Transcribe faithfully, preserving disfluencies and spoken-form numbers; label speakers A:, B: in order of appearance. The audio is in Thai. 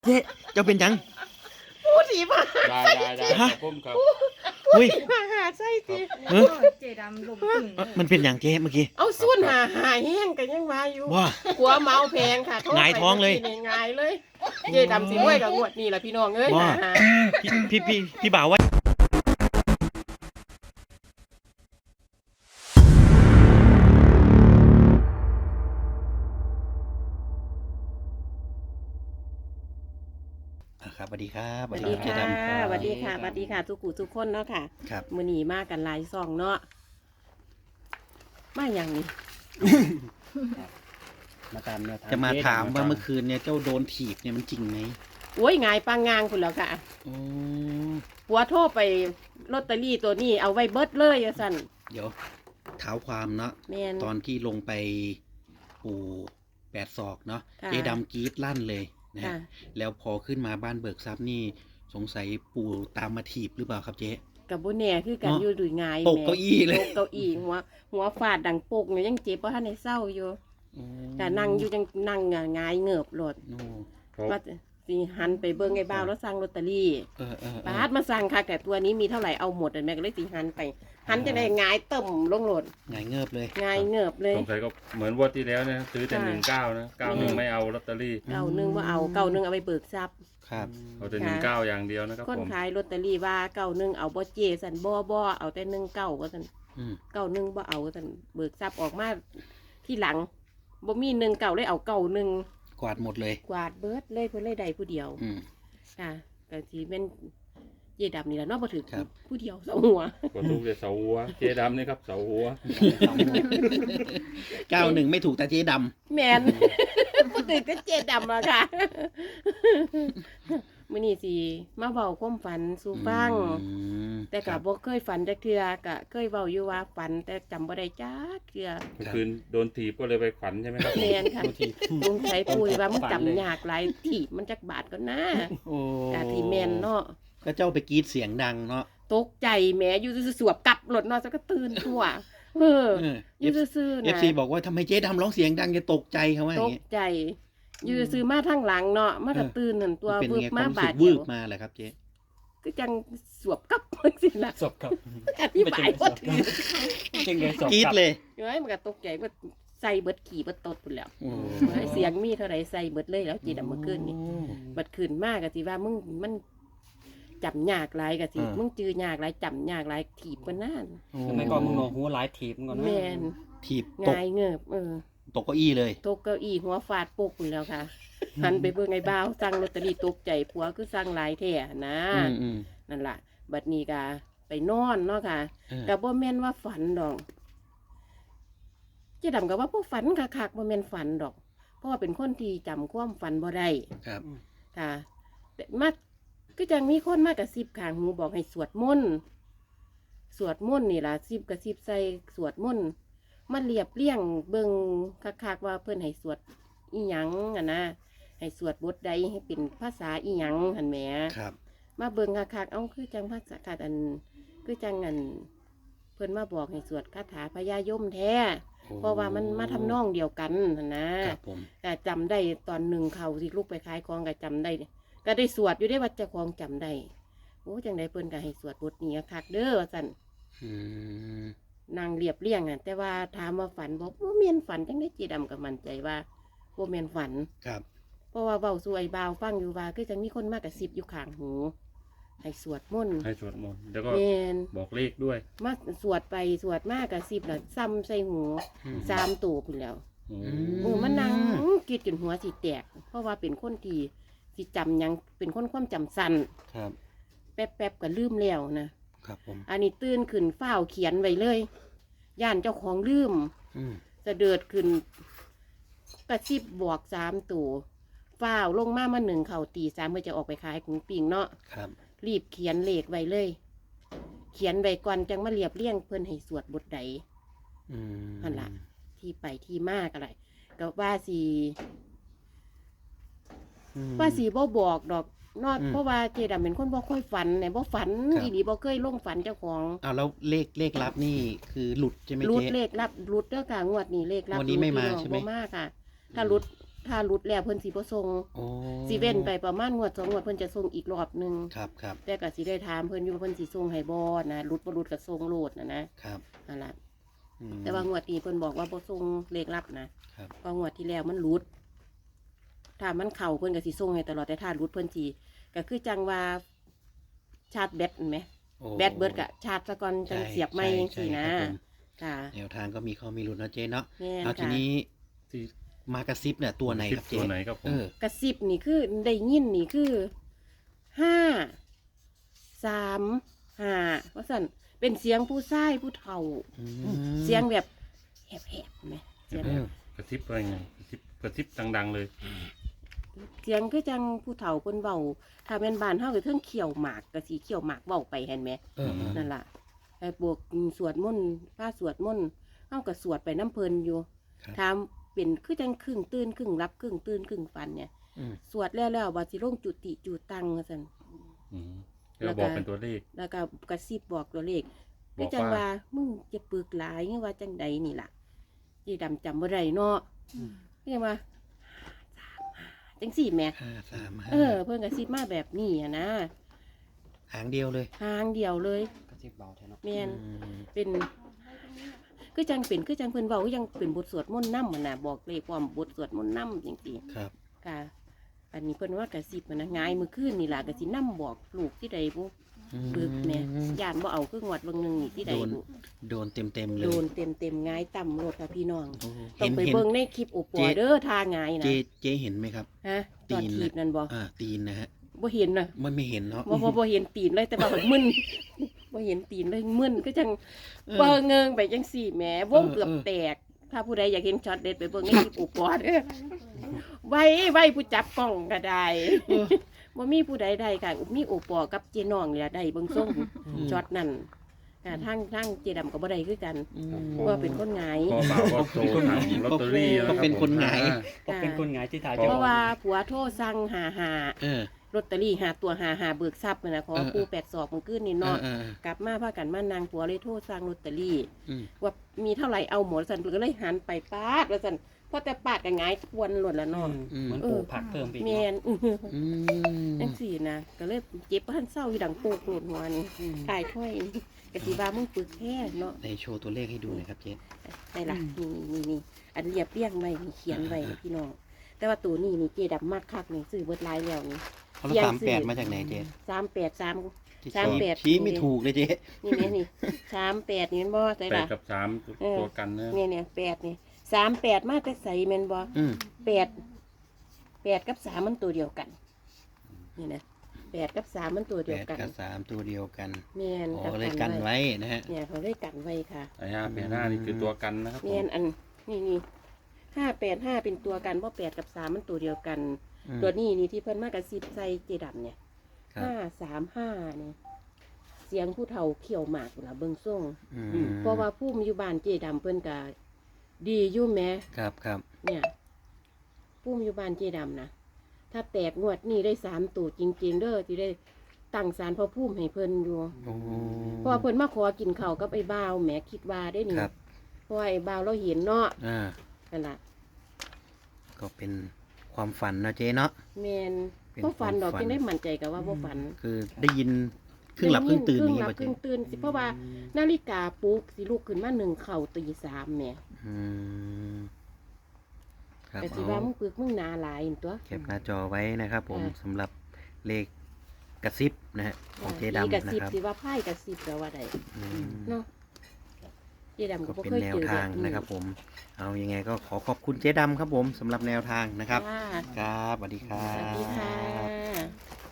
A: เจ๊เจ้าเป็นยัง
B: พูดถีมา
C: ได้ได้ได้ค
A: ฮะ
C: รับผมครับ
A: อุ้ย
B: มาหาใช่จี
A: เออ
D: เจดำลมตึง
A: เอ้อมันเป็นอย่างเจ๊เมื่อกี้
B: เอาสุ่นหาหาแห้งกันยังมาอยู่
A: ว่า
B: หัวเมาแพงค่ะ
A: หงายท้องเลย
B: โทรไปมื่กี้นี่หงายเลย เจดำสิรวยกับงวดนี่แหละพี่น้องเอ้ย
A: ว่า
B: หา
A: พี่พี่พี่พี่บ่าวว่าอ่ะครับสวัสดีครับ
B: สวัสดีค่ะ
A: เจ๊ดำ
B: สวัสดีค่ะสวัสดีค่ะทุกกูทุกคนเนาะค่ะ
A: ครับ
B: มื้อนี้มากันหลายซองเนาะมาอย่างนี้
C: มาตามแนวทาง
A: จะมาถามว่า
C: จ๊ดำ
A: เมื่อคืนเนี่ยเจ้าโดนถีบเนี่ยมันจริงไหม
B: โอ้ยหงายปังงางคุณแล้วค่ะ
A: โอ้
B: หัวโทรไปลอตเตอรี่ตัวนี้เอาไว้เบิดเลยอะสั่น
A: เดี๋ยวเท้าความเนาะ
B: แม่น
A: ตอนที่ลงไปปูแปดศอกเนาะ
B: ค่ะ
A: เจ๊ดำกรีดลั่นเลยนะฮะ
B: ค่ะ
A: แล้วพอขึ้นมาบ้านเบิกทรัพย์นี่สงสัยปู่ตามมาถีบหรือเปล่าครับเจ๊
B: กับบุแน่คือกัน
A: เนาะ
B: อยู่ดุยงาย
A: ตกเก้าอี้เลย
B: ตกเก้าอี้หัวหัวฟาดดังปกเนี่ยยังเจ็บเพราะท่านในเศร้าอยู่
A: โอ้
B: แต่นั่งอยู่ยังนั่งหงายเงือบโหลด
A: โอ้
C: ครับ
B: ว่าสิหันไปเบิ้งไอ้บ้าวแล้วสั่งลอตเตอรี่
A: เออเออเอ
B: ปา
A: อ
B: ดมาสั่งค่ะแต่ตัวนี้มีเท่าไหร่เอาหมดเลยแม่ก็เลยสิหันไป หันจะได้หงายต่มลงโหลด
A: หงายเงิบเลย
B: หงายเงือบเลย
C: สงสัยก็เหมือนงวันที่แล้วนะซื้อแต่
B: ค่ะ
C: หนึ่งเก้านะเก้าหนึ่งไม่เอาลอตเตอรี่
B: เก่าหนึงว่าเอาเก่าหนึงเอาไปเบิกทรัพย์
A: ครับ
C: เอาแต่หนึ่งเก้าอย่างเดียวนะครับ
B: คน
C: ผม
B: ขายลอตเตอรี่ว่าเก่าหนึงเอาบ่เจสันบ่บ่เอาแต่หนึ่งเก่าก็สัน
A: อืม
B: เก่าหนึงบ่เอาก็สันเบิกทรัพย์ออกมาที่หลังบ่มีหนึ่งเก่าเลยเอาเก่าหนึง
A: กวาดหมดเลย
B: กวาดเบิดเลยเพิ่นเลยได้ผู้เดียว
A: อืม
B: ค่ะก็สิเป็นเย่ดำนี่แหละเนาะบ่ถือ
A: ครับ
B: ผู้เดียวสองหัว
C: กดทุกเดี๋ยวเสาหัวเจ๊ดำนี่ครับเสาหัว
A: เก้าหนึ่งไม่ถูกแต่เจ๊ด
B: แมน ผู้ตื่นก็เจ็ดดำอะค่ะ มื้อนี้สิมาเว้าความฝันสู่
A: ำ
B: ฟัง
A: อืม
B: แต่
A: ค
B: ก็
A: รับ
B: บ่เคยฝันจักเทื่อก็เคยเว้าอยู่ว่าฝันแต่จำบ่ได้จักเทื่อ
C: เมื่อคืนโดนถีบก็เลยไปฝันใช่ไหมครับ
B: แมนค่ะลุงใช้ปุ้ยว่ามึงจำยากหลายถีบมันจักบาทก็นะ
A: โอ้
B: กะที่แม่นเนาะ
A: ก็เจ้าไปกรีดเสียงดังเนาะ
B: ตกใจแหมอยู่ซื่อๆสวบกลับรถเนาะซะก็ตื่นทั่วเออ
A: เออ
B: อยู่ซื่อๆ
A: เอฟ
B: นะ
A: ซีบอกว่าทำไมเจ๊ดำร้องเสียงดังจะตกใจเขาว่าอ
B: ต
A: ย่าง
B: ก
A: เงี้ย
B: ใจ อยู่ซื้อมาทั้งหลังเนาะมากระ
A: เออ
B: ตื่นหันตัว
A: เป็น
B: วืบ
A: ไงค
B: มาว
A: ามรู้
B: บา
A: สึ
B: ด
A: ก
B: เดี
A: วื
B: ยว
A: บมาเหรอครับเจ๊
B: ก็จังสวบกลับเพิ่นสิล่ะ
E: ศพครับ
B: อธิบายบ่ถึง
E: จริงเลยศพ
A: กรีด
E: ครับ
A: เลย
B: อยู่ให้มันก็ตกใจว่าใส่เบิดขี่เบิดตดพุ่นแล้ว
A: โอ้
B: ให้เสียงมีเท่าใดใส่เบิดเลยแล้วจีดำเมื่อคืนนี่บัดคืนมากก็สิว่ามึงมันจำยากหลายก็สิมึงจื้อยากหลายจำยากหลายถีบกว่านั้น
A: โอ้
E: ทำไมก่อนมึงโนหัวหลายถีบมึงก่อนนะ
B: แม่น
A: ถีบตก
B: งายเงิบเออ
A: ตกเก้าอี้เลย
B: ตกเก้าอี้หัวฟาดปุกพุ่นแล้วค่ะหันไปเบิ่งไอ้บ่าวสั่งลอตเตอรี่ตกใจผัวคือสั่งหลายแท้นะ
A: อืมอืม
B: นั่นล่ะ บัดนี้ก็ไปนอนเนาะค่ะ
A: เออ
B: ก็บ่แม่นว่าฝันดอกเจ๊ดำก็ว่าบ่ฝันคักๆบ่แม่นฝันดอก เพราะว่าเป็นคนที่จำความฝันบ่ได้
A: ครับ
B: ค่ะแต่มาก็จังมีคนมากระซิบข้างหูบอกให้สวดมนต์สวดมนต์นี่ล่ะซิบกระซิบใส่สวดมนต์มาเรียบเรียงเบิ่งคักๆว่าเพิ่นให้สวดอีหยังอ่ะนะให้สวดบทใดให้เป็นภาษาอีหยังหั่นแหม
A: ครับ
B: มาเบิ่งคักๆเอ้าคือจังภาษาคัดอันคือจังอันเพิ่นมาบอกให้สวดคาถาพญายมแท้ เพราะว่ามันมาทำนองเดียวกันหั่นนะครับ
A: ผม
B: ก็จำได้ตอนหนึ่งเขาที่ลูกไปขายของก็จำได้ ก็ได้สวดอยู่ได้ว่าเจ้าของจำได้โอ้จังได้เพิ่นก็ให้สวดบทนี้คักเด้อว่าซั่น
A: อืม
B: นางเรียบเรียงอ่ะแต่ว่าถามว่าฝันบอกบ่แม่นฝันจังได้จีดำก็มั่นใจว่าบ่แม่นฝัน
A: ครับ
B: เพราะว่าเว้าสู่ไอ้บ่าวฟังอยู่ว่าคือจังมีคนมากระซิบอยู่ข้างหู ให้สวดมนต์
C: ให้สวดมนต์แล้วก็
B: แม่น
C: บอกเลขด้วย
B: มาสวดไปสวดมากกระซิบน่ะซ้ำใส่หู
A: อืม
B: สามตัวพุ่นแล้ว
C: อื
A: อื
C: ม
B: เออมันนั่งกิดจนหัวสิแตก เพราะว่าเป็นคนที่สิจำหยังเป็นคนความจำสั้น
A: ครับ
B: แป๊บๆก็ลืมแล้วนะครับ
A: ผม
B: อันนี้ตื่นขึ้นฝ้าวเขียนไว้เลยย่านเจ้าของลืม
A: อืม
B: จะเดิดขึ้นกระซิบบอกสามตัวฝ้าวลงมามาหนึ่งเข่าตีสามเพื่อจะออกไปขายกุ้งปิงเนาะ
A: ครับ
B: รีบเขียนเลขไว้เลย เขียนไว้ก่อนจังมาเรียบเรียงเพิ่นให้สวดบทใด
A: อืม
B: นั่นล่ะ ที่ไปที่มากอะไรก็ว่าสี
A: อืม
B: ว่าสีบ่บอกดอกนอด
A: อืม
B: เพราะว่าเจดำเป็นคนบ่ค่อยฝันเนี่ยบ่ฝัน
A: ครับ
B: อีหลีบ่เคยลงฝันเจ้าของ
A: เอาแล้วเลขเลขลับนี่คือหลุดใช่ไหม
B: รุด
A: เจ๊
B: เลขรับรุดเด้อค่ะงวดนี้เลขรับ
A: งวดนี้ไม่มา
B: รุ
A: ใช่ไหม
B: บ่มาค่ะ ถ้ารุดถ้าหลุดแล้วเพิ่นสิบ่ส่ง
A: โอ้
B: สิเว้นไปประมาณงวดสองงวดเพิ่นจะส่งอีกรอบหนึง
A: ครับครับ
B: แต่ก็สิได้ถามเพิ่นอยู่ว่าเพิ่นสิส่งให้บ่นะหลุดบ่หลุดก็ส่งโลดนะนะครับ นั่นล่ะ
A: อืม
B: แต่ว่างวดนี้เพิ่นบอกว่าบ่ส่งเลขลับนะครับ เพราะงวดที่แล้วมันหลุด ถ้ามันเข้าเพิ่นก็สิส่งให้ตลอดแต่ถ้าหลุดเพิ่นสิก็คือจังว่าชาร์จแบตเห็นไหม
A: โอ้
B: แบตเบิดก็ชาร์จซะก่อนจัง
A: ใช่
B: เสียบใหม่
A: ใช่
B: จังซี่นะ
A: ใช่ครับผม
B: ค่ะ
A: แนวทางก็มีข้อมีลุ้นเนาะเจ๊เนาะ
B: แม่น
A: เอาที
B: ค่ะ
A: นี้
C: ที่
A: มากระซิบเนี่ยตัวไหนครับ
C: คลิป
A: เจ๊
C: ตัวไหนครับผม
A: เออ
B: กระซิบนี่คือได้ยินนี่คือห้าสามห้าว่าสั่นเป็นเสียงผู้ชายผู้เฒ่า
A: อืม
B: เสียงแบบแหบๆไหมเสียง
A: เอ
B: แบบ
A: อ
C: กระซิบอะไรไงกระซิบกระซิบดังๆเลย
B: เสียงคือจังผู้เฒ่าเพิ่นเว้าถ้าแม่นบ้านเฮาก็เทิงเขียวหมากก็สิเขียวหมากเว้าไปเห็นไหม
A: เออเออ
B: นั่นล่ะไอ้บวกสวดมนต์พระสวดมนต์เฮาก็สวดไปน้ำเพลินอยู่
A: ครับ
B: ถามเป็นคือจังครึ่งตื่นครึ่งรับครึ่งตื่นครึ่งฝันเนี่ย
A: อืม
B: สวดแล้วแล้วว่าสิลงจุติจุตังว่าซั่น
C: อืม
B: แล้
C: แล้ว ว
B: ก็
C: บอกเป็นตัวเลข
B: แล้วก็กระซิบบอกตัวเลข
C: บ
B: คือ
C: อก
B: จัง
C: ว่า
B: ว่ามึงจะปึกหลายว่าจังใดนี่ล่ะจีดำจำบ่ได้เนาะคือจังว่าจังสี่แหม่
A: ห้าสามห้า
B: เออ เพิ่นกระซิบมาแบบนี้อะนะ
A: หางเดียวเลย
B: ทางเดียวเลย
E: กระซิบเบาแท้เนาะ
B: แม่น
A: อืม
B: เป็นคือจังเป็นคือจังเพิ่นเว้าคือยังเป็นบทสวดมนต์นำมันน่ะบอกเลขความบทสวดมนต์นำจังซี่
A: ครับ
B: ค่ะ อันนี้เพิ่นว่ากระซิบมันนะง่ายมื้อคืนนี่ล่ะก็สินำบอกลูกที่ใดบ่ปึกแหม่ย่านบ่เอาคืองวดเบิ่งหนึงนี่ที่ใด
A: โดน
B: บ่
A: โดนเต็มเต็มๆเลย
B: โดนเต็มๆง่ายต่ำรถค่ะพี่น้อง
A: โอ้
B: ต้อ
A: เห็
B: ง
A: น
B: ไป
A: เห็น
B: เบิ่งในคลิปโอปอ
A: เจ๊
B: เด้อทาง่ายนะ
A: เจ๊เจ๊เห็นไหมครับ
B: ฮะตอน
A: ตีน
B: ถีบนั่นบ่
A: อ่าตีนนะฮะ
B: บ่เห็นน่ะ
A: มันไม่เห็นเนาะ
B: บ่บ่บ่เห็นตีนเลยแต่ว่ามึน บ่เห็นตีนเลยมึนก็จัง
A: เออ
B: เบิ่งเงิงไปจังสี่แหมวง
A: เออ
B: เกือบ
A: เออ
B: แตก ถ้าผู้ใดอยากเห็นช็อตเด็ดไปเบิ่งในคลิปโอปอเด้อไว้ไว้ผู้จับกล้องก็ได้
A: เออ
B: บ่มีผู้ใดได้ค่ะมีโอปอกับเจน้องนี่ล่ะได้เบิ่งส่งช็อตนั่นค่ะทางทางเจดำก็บ่ได้คือกัน
A: อืม
B: เพราะว่าเป็นคนหงาย
C: พ่อบ่าวก็โทรถามลอตเตอรี่แล้ว
A: ก็เป็นคนหงาย
E: ก็เป็นคนหงายที่ถ่าย
B: เพราะว่าผัวโทรสั่งหาหา
A: เออ
B: ลอตเตอรี่หาตัวหาหาเบิกทรัพย์นั่นนะขอ
A: เออ
B: ปูแปดศอกมันขึ้นนี่
A: เอ
B: เนาะ
A: อเออเออก
B: ลับมาพากันมานางผัวเลยโทรสั่งลอตเตอรี่
A: อืม
B: ว่ามีเท่าไหร่เอาหมดสันก็เลยหันไปปาดแล้วสันพอแต่ปาดกันงายทวนหล่นละ
E: อื
B: เนาะ
E: มเหมือนปลูกผักเพิ่มไปอีก
B: แม
E: เนาะ
B: นอื้อหือ
A: อืม
B: จังสี่นะก็เลยเจ็บพันเศร้าอยู่ดังโปกโกรธหัวนี่ตายถ้อยนี่กะสิว่ามึงปึกแค่เนาะ
A: ในโชว์ตัวเลขให้ดูหน่อยครับเจ๊
B: ได้ละนี่นี่นี่อันเรียบเรียงไว้นี่เขียนไว้นะพี่น้องแต่ว่าตัวนี้นี่เจดับมากคักนี่ซื้อเบิดหลายแล้วนี่
A: เขาละสามแปดมาจากไหนเจ๊
B: สามแปดสาม
A: ที่
B: สามแปด
A: ชี้ไม่ถูกเลยเจ๊
B: นี่นี่นี่สามแปดนี่แมันบ่ใส่
C: แปด
B: ละ
C: กับสาม
B: เออ
C: ตัวกันนะ
B: เนี่ยเนี่ยแปดนี่สามแปดมาแต่ใส่แม่นบ่
A: อืม
B: แปดแปดกับสามมันตัวเดียวกันนี่นะแปดกับสามมันตัว
A: แป
B: เดียว
A: ด
B: กัน
A: กับสามตัวเดียวกัน
B: แม่น
A: อ๋อเลยกันไว้นะฮะ
B: เนี่ยเขาเลยกันไว้ค่ะ
C: ไอ้ห้าแปดห้านี่คือตัวกันนะครับผม
B: แม่นอันนี่นี่ห้าแปดห้าเป็นตัวกันเพราะแปดกับสามมันตัวเดียวกัน
A: อืม
B: ตัวนี้นี่ที่เพิ่นมากระซิบใส่เจดํเนี่ย
A: ครับ
B: ห้าสามห้าเนี่ยเสียงผู้เฒ่าเขี่ยวหมากล่ะเบิ่งส่ง
A: อืม
B: เพราะว่าผู้มีอยู่บ้านเจดํเพิ่นก็ดีอยู่แหม
A: ครับครับ
B: เนี่ยผู้มีอยู่บ้านเจดํนะถ้าแตกงวดนี้ได้สามตัวจริง ๆเด้อที่ได้ตั้งศาลพระภูมิให้เพิ่นอยู่
A: โอ้
B: เพราะว่าเพิ่นมาขอกินข้าวกับไอ้บ่าวแหมคิดว่าได้นี่
A: ครับ
B: เพราะว่าไอ้บ่าวเราเห็นเนาะ
A: อ่า
B: นั่นล่ะ
A: ก็เป็นความฝันนะเจ๊เนาะ
B: แมน
A: เป็น
B: บ่ฝันดอก
A: ความฝัน
B: จึงได้มั่นใจกับว่าบ่ฝัน
A: คือได้ยินครึ่งหลับครึ่งตื่น
B: ครึ่
A: นี่
B: งหลับ
A: ป่ะ
B: ค
A: เจ๊
B: รึ่งตื่นสิเพราะว่านาฬิกาปลุกสิลุกขึ้นมาหนึ่งเข่าตีสามแหม่
A: อืมครับ
B: แต่สิ
A: เอา
B: ว่ามึงปึกมึงหนาหลายนั่นตัว
A: แคปหน้าจอไว้นะครับผม
B: อ่า
A: สำหรับเลขกระซิบนะฮะของเจ๊
B: มี
A: ดำ
B: กระ
A: นะ
B: ซิบ
A: ครับ
B: สิว่าไพ่กระซิบก็ว่าได้
A: อืม
B: เนาะเจ๊ดำก็
A: ก็
B: บ่
A: เป็น
B: เคย
A: แน
B: เจ
A: ว
B: อ
A: ทางนะครับผม เอายังไงก็ขอขอบคุณเจ๊ดำครับผมสำหรับแนวทางนะครับ
B: ค่ะ
A: ครับสวัสดีครั
B: ส
A: บ
B: วัสดีค่ะ